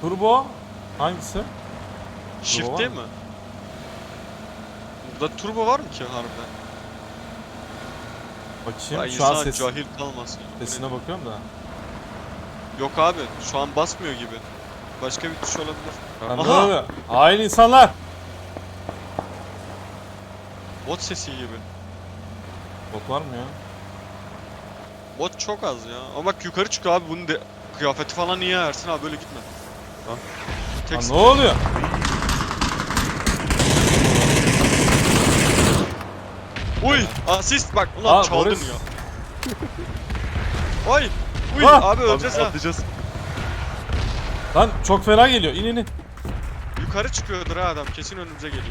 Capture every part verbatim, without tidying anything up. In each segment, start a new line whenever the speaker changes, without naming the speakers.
Turbo hangisi?
Shift
var
değil
mı?
mi? Burada turbo var mı ki harbiden?
Bakayım
Vay
şu an
insan
ses,
cahil kalmasın.
sesine bakıyorum da.
Yok abi şu an basmıyor gibi. Başka bir tuş olabilir.
Lan ne
Aha!
oluyor? Hain insanlar!
Bot sesi gibi.
Bot var mı ya?
Bot çok az ya. Ama bak yukarı çıkıyor abi bunun de kıyafeti falan niye Ersin abi böyle gitme.
Lan.
Tek
Lan ne oluyor?
Uy! Asist bak ulan
Aa,
çaldın
Boris.
ya. Oy! Uy!
Ah!
Abi öleceğiz ha.
Atlayacağız.
Lan çok fena geliyor. İn in in.
Yukarı çıkıyordur ha adam kesin önümüze geliyor.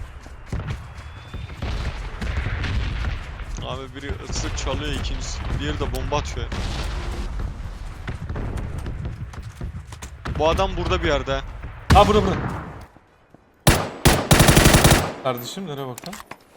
Abi biri ıslık çalıyor ikincisi. Diğeri de bomba atıyor. Bu adam burada bir yerde.
Ha burada burada. Kardeşim nereye bakın?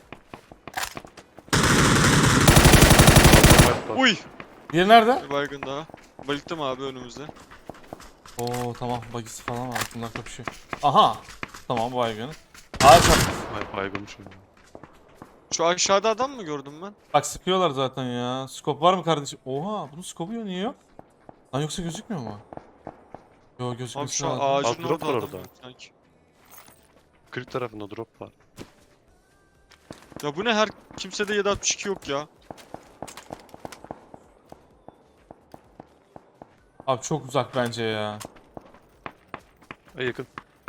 Uy!
Diğeri nerede?
Bir baygın daha. Bayılttım abi önümüzde.
Oo tamam bagisi falan var. Bunlar kapışıyor. Aha. Tamam baygın. Ağaç at.
Ay baygınmışım ya.
Şu aşağıda adam mı gördüm ben?
Bak sıkıyorlar zaten ya. Skop var mı kardeşim? Oha bunun skopu yok niye yok? Lan yoksa gözükmüyor mu? Yo
Abi
gözükmesi
şu an
lazım.
ağacın
Aa, drop
orada
var
adam
orada.
yok sanki.
Kırık tarafında drop var.
Ya bu ne her kimsede yedi altmış iki yok ya.
Abi çok uzak bence ya.
Ay yakın.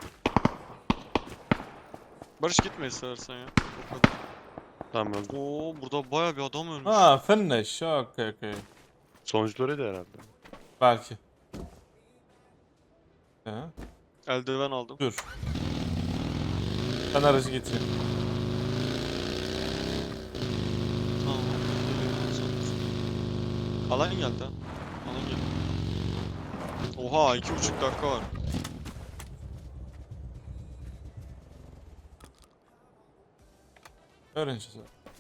Barış gitme istersen ya. O kadar.
Tamam öldü.
Oo burada baya bir adam ölmüş.
Ha finish. Okey okey.
Sonuncularıydı herhalde.
Belki. He.
Eldiven aldım.
Dur. Ben aracı getireyim.
Tamam. Alan geldi ha. Alan geldi. Oha iki buçuk dakika var.
Öğreneceğiz.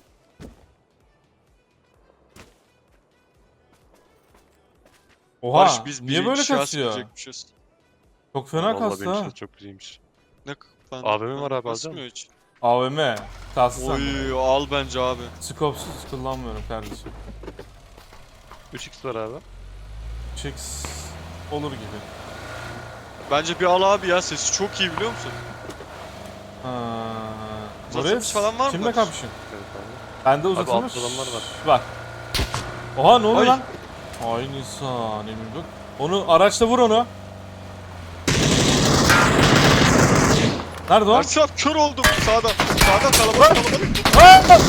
Oha.
Barış biz
niye
bir
böyle
inşaat
kasıyor?
sürecekmişiz.
Çok fena
Vallahi
kastı
benim
ha.
için çok güzelmiş.
Ne k- ben,
A V M var
ben
abi,
basmıyor
alacak
hiç.
A V M. Kastı sen.
Oy al bence abi.
Skopsuz kullanmıyorum kardeşim.
üç x var abi.
Chicks olur gibi.
Bence bir al abi ya sesi çok iyi biliyor musun?
Ha.
Uzatılmış
Boris,
falan var mı
kimle
Barış?
kapışın?
Evet abi.
Bende
Abi
uzatılmış.
altta adamlar var.
Bak. Oha ne oluyor
Ay.
lan? Aynı insan emin bak. Onu araçla vur onu. Nerede o?
Ersin abi kör oldum sağda. Sağda kalabalık kalabalık.
Aa!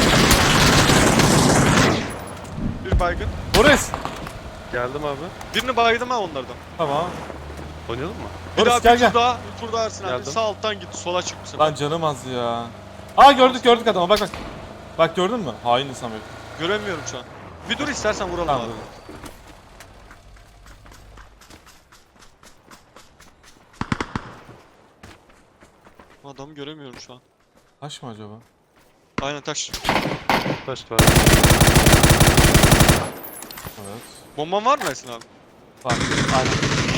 Bir baygın.
Boris.
Geldim abi.
Birini baydım ha onlardan.
Tamam.
Oynayalım mı?
Bir
Boris
daha
gel
bir
gel.
tur daha. Bir tur daha Ersin abi.
Geldim.
Sağ alttan git sola çık bu sefer.
Lan canım az ya. Aa gördük gördük adamı bak bak. Bak gördün mü? Hain insan bak.
Göremiyorum şu an. Bir dur istersen vuralım
Tamam
abi.
dur.
Adamı göremiyorum şu an.
Taş mı acaba?
Aynen taş.
Taş var.
Evet.
Bomban var mı Ersin abi?
Var. Aynen.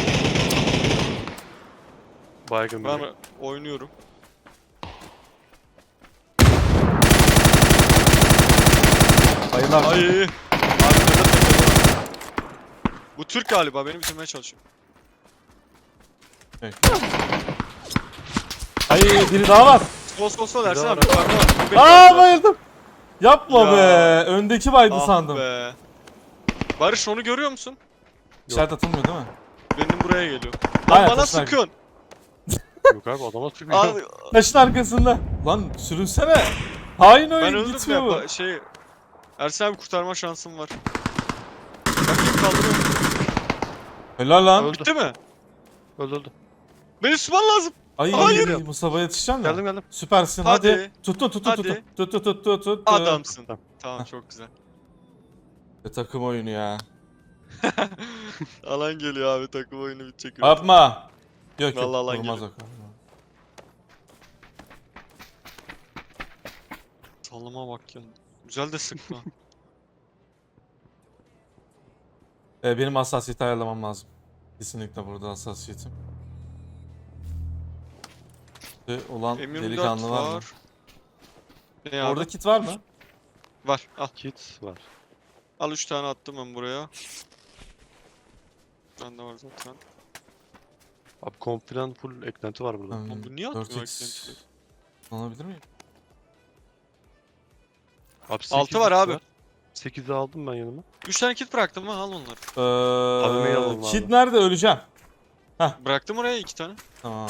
Baygın
Ben
biri.
oynuyorum.
Bayılar.
Ay. Arkada tepede var. Bu Türk galiba beni bitirmeye çalışıyor.
Bekle. Ay biri daha var.
Sol sol sol Ersin
daha
abi
var.
yukarıda var. Bu benim
Aa
zaten.
bayıldım. Yapma
Ya.
be. Öndeki baydı
Ah
sandım.
be. Barış onu görüyor musun?
İşaret atılmıyor değil mi?
Benim buraya geliyor. Lan
Aynen,
bana
taşlar.
sıkıyorsun.
Yok abi adama sıkmıyor.
Abi,
Taşın arkasında. Lan sürünsene. Hain
ben
oyun
öldüm
gitmiyor
ya.
bu.
ba- Şey Ersin abi kurtarma şansım var. Bakayım kaldırıyorum.
Helal lan.
Öldü.
Bitti mi?
Öldü öldü.
Beni tutman lazım.
Ay
Hayır.
Mustafa yetişeceksin mi?
Geldim geldim.
Süpersin hadi.
Hadi.
Tuttun tuttun
Hadi.
tuttun. Tuttu tuttu tuttu tuttu.
Adamsın.
Tamam.
Tamam çok güzel.
E, takım oyunu ya.
Alan geliyor abi takım oyunu bitecek.
Yapma. Yok yok
Vallahi alan
vurmaz
geliyor.
o kadar.
Sallama bak ya. Güzel de sıkma.
E, benim hassasiyeti ayarlamam lazım. Kesinlikle burada hassasiyetim. olan
M yirmi dört
delikanlı var mı?
var. Ne abi?
Orada kit var mı?
Var. Al.
Kit var.
Al üç tane attım ben buraya. Bende var zaten.
Abi komp falan full eklenti var burada.
Hmm,
Oğlum bu niye
dört
atmıyor
x
eklentileri?
Alabilir miyim?
Abi
Altı var abi.
sekizi aldım ben yanıma.
üç tane kit bıraktım ha, al onları.
Ee,
A V M'yi alalım
kit
abi.
nerede? Öleceğim.
Bıraktım oraya iki tane.
Tamam.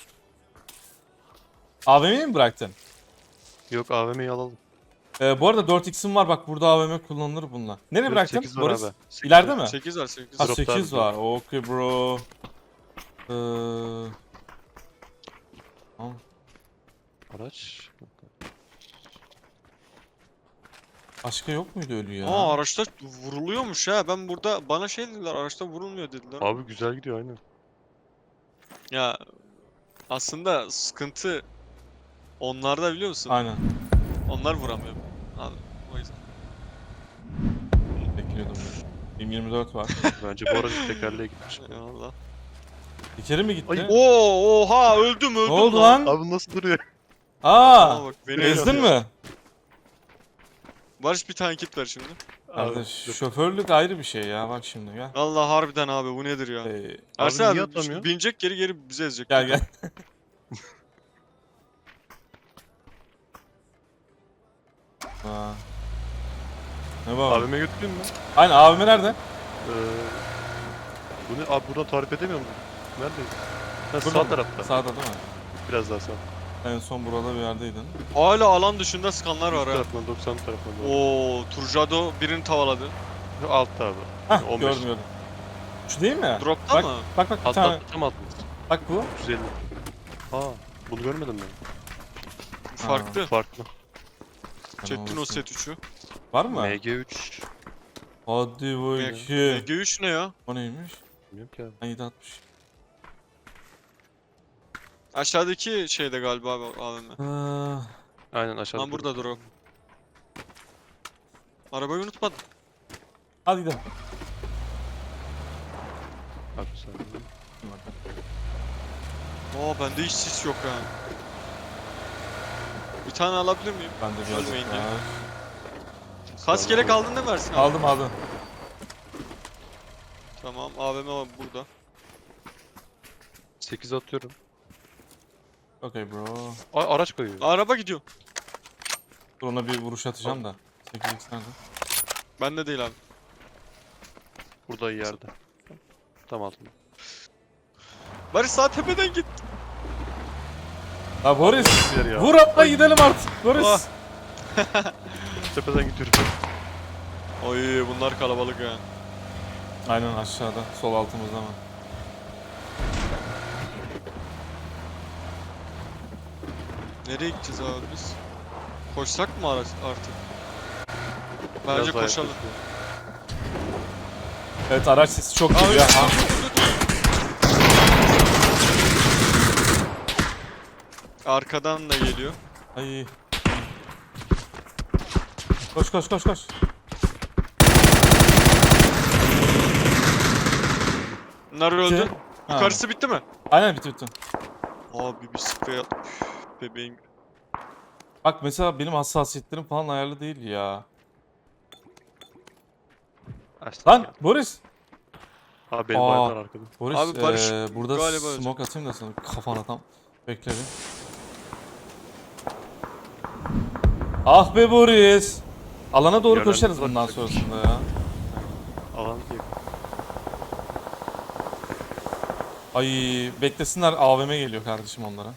A V M'yi mi bıraktın?
Yok A V M'yi alalım.
Ee, bu arada dört x'im var bak, burada A V M kullanılır bununla. Nereye bıraktın?
sekiz var
Boris?
abi. sekiz
İleride
var.
mi?
sekiz var sekiz.
Ha
Drop'ta
sekiz
abi,
var. Okey bro. Ee, tamam.
Araç.
Başka yok muydu ölü ya?
Aa, araçta vuruluyormuş ha. Ben burada bana şey dediler, araçta vurulmuyor dediler.
Abi güzel gidiyor aynen.
Ya aslında sıkıntı onlarda, biliyor musun?
Aynen.
Onlar vuramıyor. Abi, o yüzden.
Bekliyordum ben. M yirmi dört var.
Bence bu aracın tekerleğe gitmiş.
Eyvallah.
Bir kere mi gitti?
Ay,
Oo, oha, öldüm öldüm
Ne oldu lan?
Abi nasıl duruyor?
Aa!
Aa, bak, beni
Ezdin
öldürdü.
mi?
Barış bir tane kit ver şimdi.
Kardeş,
dur.
şoförlük ayrı bir şey ya, bak şimdi gel.
Allah harbiden abi, bu nedir ya?
Ee,
Ersin
Abi
abi,
niye atamıyor?
binecek geri geri bizi ezecek.
gel gel. Aa. Ne bu?
A V M'ye götüreyim mi?
Aynen, A V M nerede?
Ee, bunu abi buradan tarif edemiyor musun? Neredeyiz? Ha,
Burada
sağ
mı?
tarafta.
Sağda değil mi?
Biraz daha sağ.
En son burada bir yerdeydin.
Hala alan dışında sıkanlar var
Bu
ha.
tarafından doksan tarafından. doğru.
Oo, Turjado birini tavaladı.
Şu altta abi.
Hah,
on beş.
gördüm gördüm. Şu değil mi?
Dropta
Bak,
mı?
bak bak bir
Altta
tane.
altta tam altımız.
Bak bu.
yüz elli. Aa bunu görmedim ben.
Bu farklı.
Farklı.
Çektin o set üçü.
Var mı?
M G üç.
Hadi
M
bakayım.
G üç ne ya?
O neymiş?
Bilmiyorum ki abi.
Ben yedi altmış.
Aşağıdaki şeyde galiba abi A V M.
Aa,
Aynen aşağıda.
Lan burada drop. Arabayı unutmadım.
hadi gidelim.
Bak sen.
Oo, bende hiç sis yok ha. Bir tane alabilir miyim?
Ben de biraz
Ölmeyin
var.
Kask gerek aldın değil mi Ersin abi?
Aldım aldım.
Tamam, A V M var burada.
sekiz atıyorum.
Okey bro.
Ay araç koyuyor.
Araba gidiyor.
Dur, ona bir vuruş atacağım da. sekiz x nerede?
Bende değil abi.
Burada yerde. Tam altında.
Barış sağ tepeden git.
Ha Boris.
Bir yer ya.
Vur atla gidelim artık. Boris.
Ah.
Tepeden gidiyorum.
Oy, bunlar kalabalık ha.
Aynen aşağıda. Sol altımızda mı?
Nereye gideceğiz abi biz? Koşsak mı ara- artık?
Biraz
Bence
daha
koşalım.
yaklaşıyor.
Evet, araç sesi çok
Aa,
geliyor.
öyle-
Ha.
Arkadan da geliyor.
Ay. Koş koş koş koş.
Bunlar öldü.
Ha.
Yukarısı bitti mi?
Aynen, bitti bitti.
Abi bir sprey at. Üf, bebeğim.
Bak mesela benim hassasiyetlerim falan ayarlı değil ya.
Açtık
Lan
ya.
Boris.
Abi benim
Aa.
bayraklar arkada.
Boris
Abi Barış
eee, burada
galiba ölecek.
smoke atayım da sana kafana tam. Bekle bir. Ah be Boris. Alana doğru
Yerden
koşarız
uzak
bundan
çekiş.
sonrasında ya.
Alan yakın.
Ay beklesinler, A V M geliyor kardeşim onlara.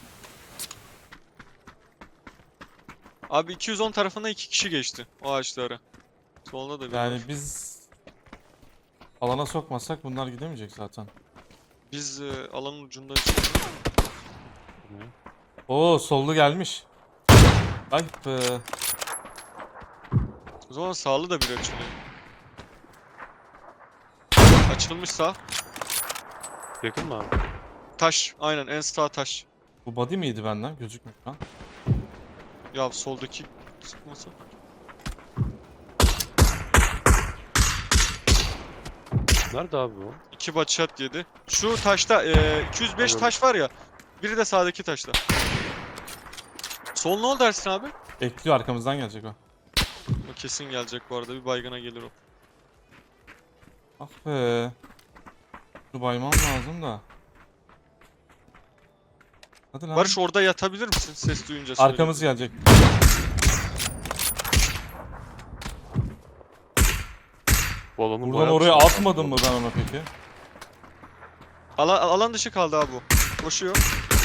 Abi iki yüz on tarafına iki kişi geçti o ağaçlara. Solda da bir
Yani
var.
biz alana sokmasak bunlar gidemeyecek zaten.
Biz e, alanın ucundayız.
Ne?
Oo, sollu gelmiş. Ay be.
O zaman sağlı da bir açılıyor. Açılmış sağ.
Yakın mı abi?
Taş. Aynen, en sağ taş.
Bu body miydi benden? Gözükmüyor lan.
Ya soldaki sıkmasa.
Nerede abi bu?
İki body shot yedi. Şu taşta e, iki yüz beş
Anladım.
taş var ya. Biri de sağdaki taşta. Sol ne oldu Ersin abi?
Bekliyor, arkamızdan gelecek o.
O kesin gelecek bu arada. Bir baygına gelir o.
Ah be. Dur baymam lazım da. Hadi lan.
Barış orada yatabilir misin? Ses duyunca söyle.
Arkamız gelecek.
Bu alanın
Buradan
bayağı
oraya
dışında
atmadım mı
kaldı.
ben ona peki?
Alan, alan dışı kaldı abi bu. Koşuyor.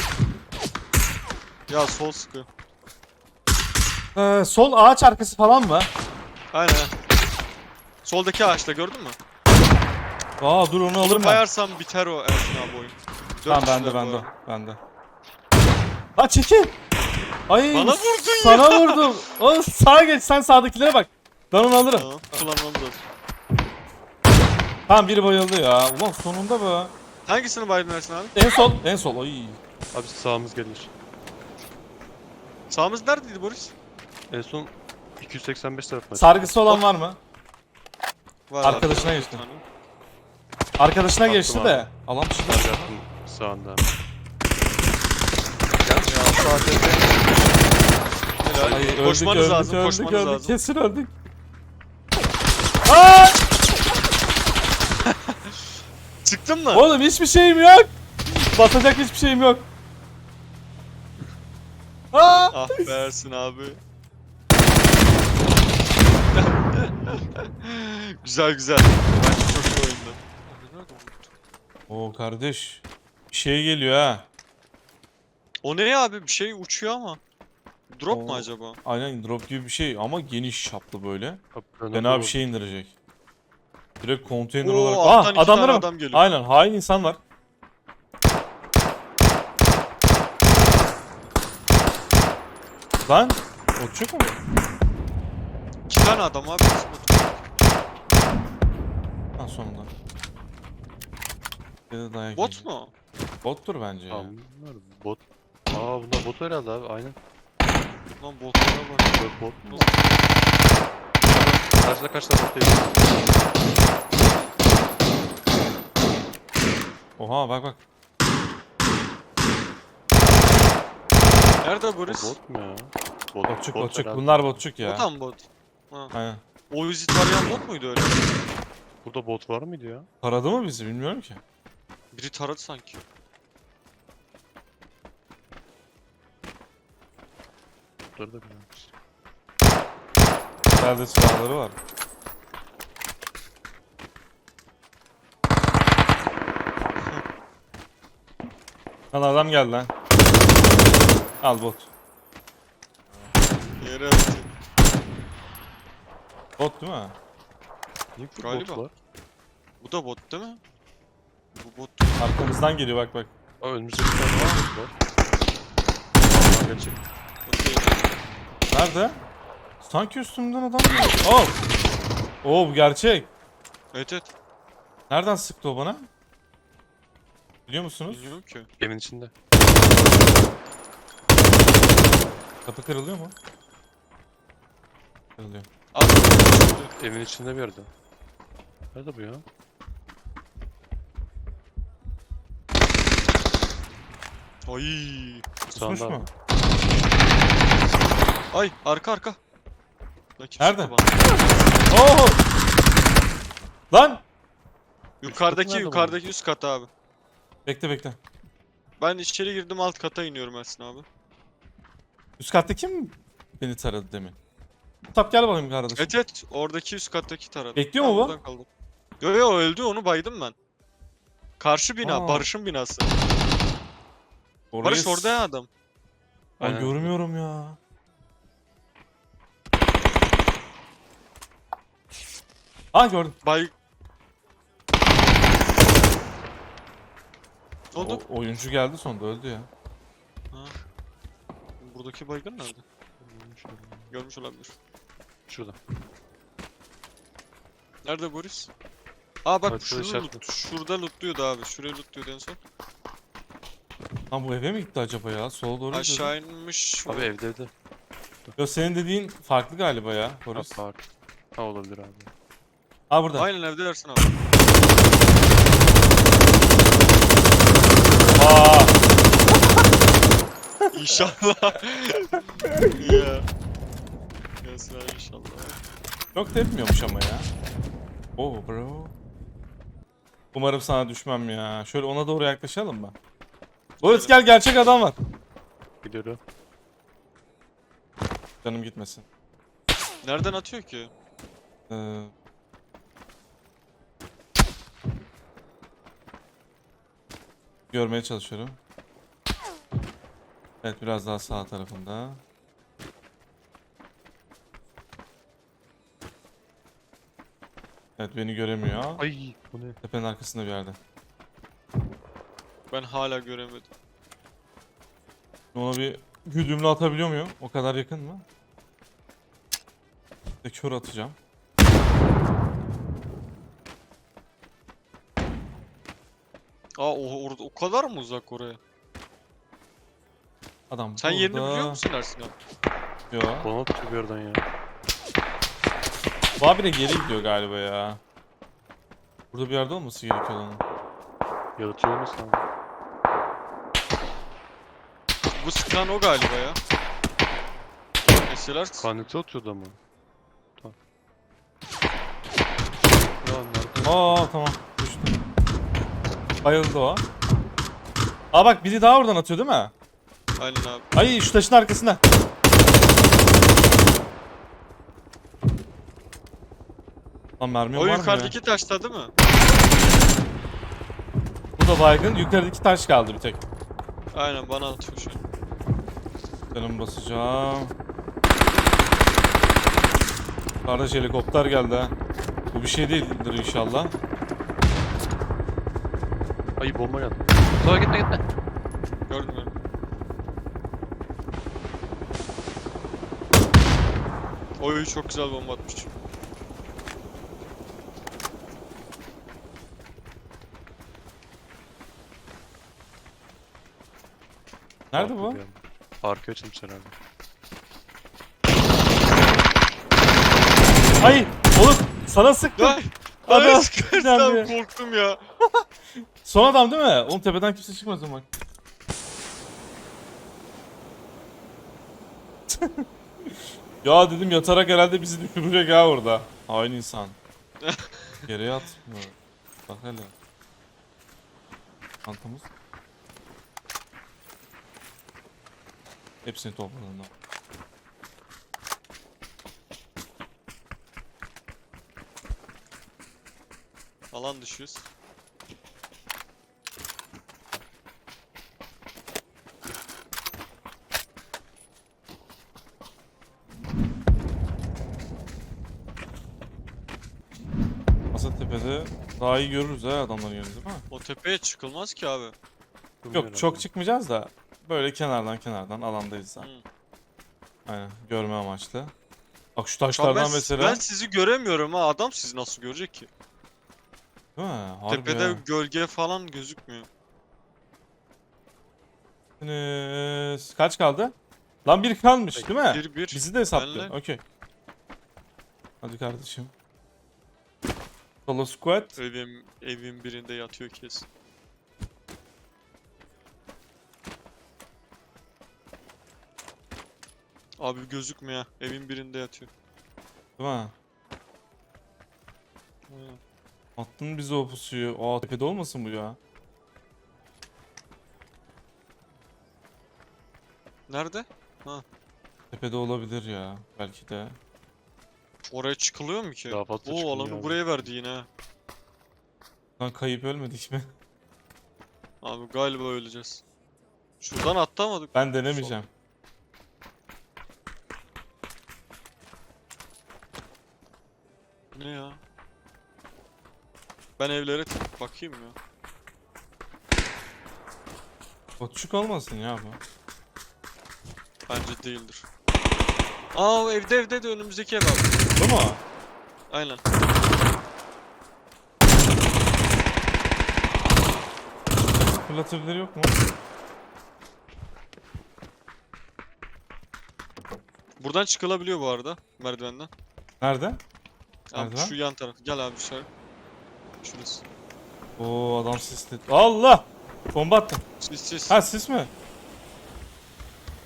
Ya sol sıkıyor.
Ee, sol ağaç arkası falan mı?
Aynen. Soldaki ağaçta gördün mü?
Aa dur onu alırım
Onu
ben.
bayarsam biter o Ersin abi oyun. Dört
Tamam
kişiler
bende
bu
bende
arada.
bende. Ha çekil. Ay
Bana vurdun
sana vurdum. O sağa geç, sen sağdakilere bak. Ben onu alırım.
Tamam, kullanmam lazım.
Tamam biri bayıldı ya. Ulan sonunda be.
Hangisini baydın Ersin abi?
En sol, en sol. Ay.
Abi sağımız gelir.
Sağımız neredeydi Boris?
En son iki yüz seksen beş tarafına.
Sargısı olan var mı?
Var
Arkadaşına
abi,
geçti.
bir tane.
Arkadaşına
Baktım
geçti
abi.
de. Alan dışında.
Abi yaptım sağında.
Ya şu A T P. Helal.
Ay öldük
Koşmanız
öldük
lazım,
öldük
koşmanız
öldük.
lazım.
Kesin öldük. Aa!
Çıktın mı?
Oğlum hiçbir şeyim yok. Basacak hiçbir şeyim yok. Aa!
Ah be Ersin abi. Güzel güzel. Bence çok iyi oyundu.
Oo kardeş. Bir şey geliyor ha.
O ne ya abi? Bir şey uçuyor ama. Drop mu
Oo.
acaba?
Aynen drop gibi bir şey ama geniş çaplı böyle.
Abi, ben
Fena
orada
bir şey indirecek. Direkt konteyner
Oo,
olarak.
alttan
Aa
iki
adamlara
tane
bak.
adam geliyor.
Aynen hain insan var. Lan uçuk mu?
İki tane adam abi.
Ha sonunda. Bir de dayak
Bot
yiyecek.
mu?
Bottur bence ya.
Tamam, bunlar bot. Aa bunlar bot herhalde abi aynen.
Lan botlara bak.
Böyle bot mu? Karşıda kaç tane bot değil.
Oha bak bak.
Nerede
O
Boris?
bot mu ya? Bot,
Botçuk
bot
botçuk.
herhalde.
Bunlar botçuk ya.
O tam bot. Ha.
Aynen.
O vizit arayan bot muydu öyle?
Burada bot var mıydı ya?
Taradı mı bizi bilmiyorum ki.
Biri taradı sanki.
Burada da bilmiyorum.
Nerede silahları var. Lan adam geldi lan. Al bot.
Yere attı.
Bot değil mi?
Niye bu
Galiba.
bot var?
Bu da bot değil mi? Bu bot.
Arkamızdan geliyor bak bak.
Aa önümüzde bir tane daha bot var. Aa gelecek.
Bot değil.
Nerede? Sanki üstümden adam geliyor. Oh! Oo bu gerçek.
Evet evet.
Nereden sıktı o bana? Biliyor musunuz?
Bilmiyorum ki.
Evin içinde.
Kapı kırılıyor mu? Kırılıyor.
Abi.
Evin içinde bir yerde. Nerede bu ya?
Ay.
Kusmuş
Sağında
mu?
abi.
Ay arka arka. Lan kim
Nerede?
sıktı bana?
Oo! Lan!
Yukarıdaki
nerede bu?
yukarıdaki üst kat abi.
Bekle bekle.
Ben içeri girdim alt kata iniyorum Ersin abi.
Üst katta kim beni taradı demin? Tap gel bakayım kardeşim.
Evet evet oradaki üst kattaki taradı.
Bekliyor
Ben
mu bu?
buradan kaldım. Yo yo öldü onu baydım ben. Karşı bina
Aa.
Barış'ın binası.
Orayı
Barış
s-
orada ya adam.
Lan
Aynen.
görmüyorum ya. Ha gördüm.
Bay... Ne oldu?
O, oyuncu geldi sonunda öldü ya.
Ha. Buradaki baygın nerede? Görmüş olabilir.
Şurada.
Nerede Boris? Aa bak
Evet, şurada
şunu
işaret
loot, şurada lootluyordu abi. Şuraya lootluyordu en son.
Lan bu eve mi gitti acaba ya? Sola doğru gidiyordu.
Aşağı inmiş.
Abi evde evde.
Yo senin dediğin farklı galiba ya Boris.
Ha, var. Ha olabilir abi.
Ha burada.
Aynen evde dersin abi.
Aa!
İnşallah. Ya. Gelsin abi inşallah.
Çok tepmiyormuş ama ya. Oh bro. Umarım sana düşmem ya. Şöyle ona doğru yaklaşalım mı? Boris gel, gerçek adam var.
Gidiyorum.
Canım gitmesin.
Nereden atıyor ki?
Ee... Görmeye çalışıyorum. Evet, biraz daha sağ tarafında. Evet, beni göremiyor.
Ay bu ne?
Tepenin arkasında bir yerde.
Ben hala göremedim.
Ona bir güdümlü atabiliyor muyum? O kadar yakın mı? Bir de kör atacağım.
Aa o, orada o kadar mı uzak oraya?
Adam
Sen
burada.
yerini biliyor musun Ersin abi?
Yo.
Bana atıyor bir yerden ya.
Bu abi de geri gidiyor galiba ya. Burada bir yerde olması gerekiyor onun.
Yaratıyor olmasın abi.
Bu sıkan o galiba ya. Mesela
Kaneti atıyordu ama. Tamam. Ya nerede?
Aa tamam, düştü. Bayıldı o. Aa bak, biri daha oradan atıyor değil mi?
aynen abi.
Ay, şu taşın arkasında. Lan mermi
O
var mı ya?
yukarıdaki taşta değil mi?
Bu da baygın. Yukarıdaki taş kaldı bir tek.
Aynen bana atıyor şu an.
Canım basacağım. Kardeş helikopter geldi ha. Bu bir şey değildir inşallah.
Ay bomba geldi.
Sola gitme gitme.
Gördün mü? Oy çok güzel bomba atmış.
Nerede
Arka
bu?
geldi. Arka açılmış herhalde.
Ay oğlum, sana sıktım.
Ay!
Adam-
Ay sıkırsam korktum ya.
Son adam değil mi? Oğlum tepeden kimse çıkmaz ama. Ya dedim, yatarak herhalde bizi düşürecek ha orada. Hain insan. Geriye atmıyor. Bak hele. Çantamız. Hepsini topladım da.
Alan düşüyoruz.
Masa tepede daha iyi görürüz ha adamların yerini, değil mi?
O tepeye çıkılmaz ki abi.
Yok, çok çıkmayacağız da böyle kenardan kenardan alandayız da.
Hı.
Aynen, görme amaçlı. Bak şu
Şu an
taşlardan
ben,
mesela.
ben sizi göremiyorum ha. Adam sizi nasıl görecek ki?
Değil mi? Harbi
Tepede
ya.
gölge falan gözükmüyor.
Enes, kaç kaldı? Lan bir kalmış değil mi?
Bir bir.
Bizi de hesaplıyor.
Benle.
Okey. Hadi kardeşim. Solo squad.
Evim, evin birinde yatıyor kesin. Abi gözükmüyor. Evin birinde yatıyor.
Değil mi?
Aynen.
Attın bize o pusuyu. Aa, tepede olmasın bu ya?
Nerede?
Tepede olabilir ya. Belki de.
Oraya çıkılıyor mu ki?
Daha fazla
Oo
çıkılmıyor
alanı
abi.
buraya verdi yine. ha.
Lan kayıp ölmedik mi?
Abi galiba öleceğiz. Şuradan atlamadık.
Ben denemeyeceğim.
Ne ya? Ben evlere tık- bakayım ya.
Botçuk olmasın ya bu.
Bence değildir. Aa evde evde de önümüzdeki ev abi.
Bu mu?
Aynen.
Fırlatabilir yok mu?
Buradan çıkılabiliyor bu arada merdivenden.
Nerede?
Abi
Merdiven?
şu yan taraf. Gel abi dışarı. Şurası.
Oo, adam sisli. Allah! Bomba attım.
Sis sis.
Ha, sis mi?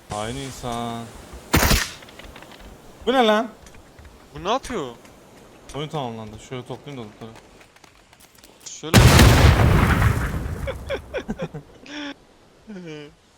Aynı insan. Bu ne lan?
Bu ne yapıyor?
Oyun tamamlandı. Şöyle toplayayım da lootları.
Şöyle.